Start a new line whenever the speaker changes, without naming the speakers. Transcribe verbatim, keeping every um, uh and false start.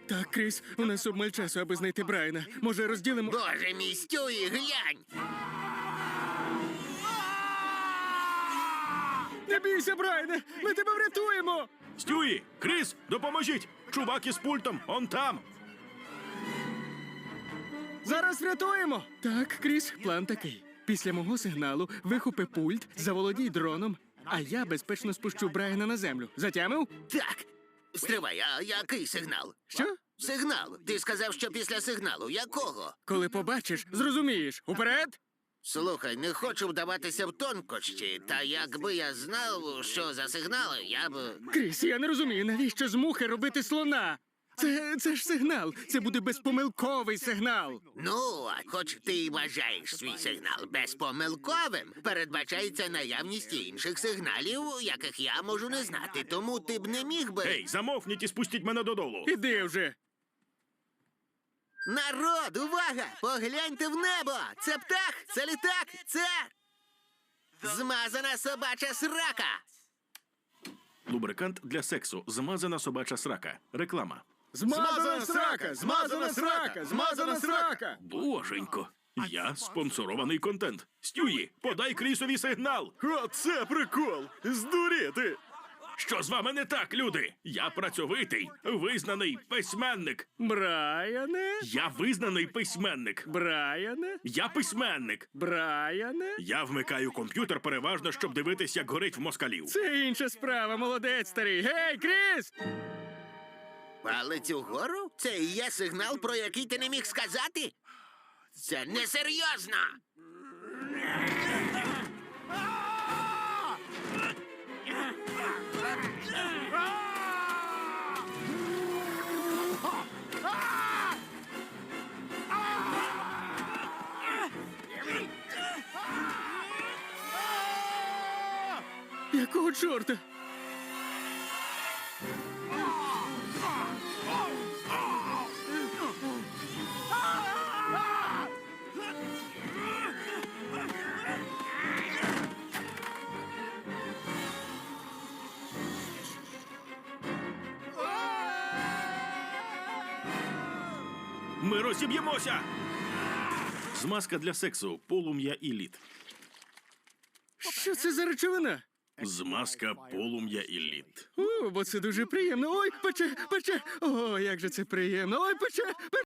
Так, Кріс, у нас обмаль часу, аби знайти Брайана. Може, розділимо...
Боже мій, Стюї, глянь!
Не бійся, Брайане! Ми тебе врятуємо!
Стюї! Кріс, допоможіть! Чувак із пультом, он там!
Зараз врятуємо! Так, Кріс, план такий. Після мого сигналу вихопи пульт, заволодій дроном, а я безпечно спущу Брайана на землю. Затямив?
Так. Стривай, а який сигнал?
Що?
Сигнал. Ти сказав, що після сигналу. Якого?
Коли побачиш, зрозумієш. Уперед!
Слухай, не хочу вдаватися в тонкощі, та якби я знав, що за сигнали, я б...
Кріс, я не розумію, навіщо з мухи робити слона? Це, це ж сигнал. Це буде безпомилковий сигнал.
Ну, а хоч ти й вважаєш свій сигнал безпомилковим, передбачається наявність інших сигналів, яких я можу не знати, тому ти б не міг би...
Ей, замовкніть і спустіть мене додолу!
Іди вже.
Народ, увага! Погляньте в небо! Це птах, це літак, це... Змазана собача срака!
Лубрикант для сексу. Змазана собача срака. Реклама.
Змазана срака! Змазана срака! Змазана срака!
Боженько. Я спонсорований контент. Стюї, подай Крісові сигнал!
Оце прикол! Здуріти!
Що з вами не так, люди? Я працьовитий, визнаний письменник.
Брайане?
Я визнаний письменник.
Брайане?
Я письменник.
Брайане?
Я вмикаю комп'ютер переважно, щоб дивитись, як горить в москалів.
Це інша справа, молодець старий. Гей, Кріс!
Палець угору? Це і є сигнал, про який ти не міг сказати? Це несерйозно!
Якого чорта?
Ми розіб'ємося! Змазка для сексу. Полум'я і лід.
Що це за речовина?
Змазка, полум'я і лід.
О, бо це дуже приємно. Ой, пече, пече. О, як же це приємно. Ой, пече, пече.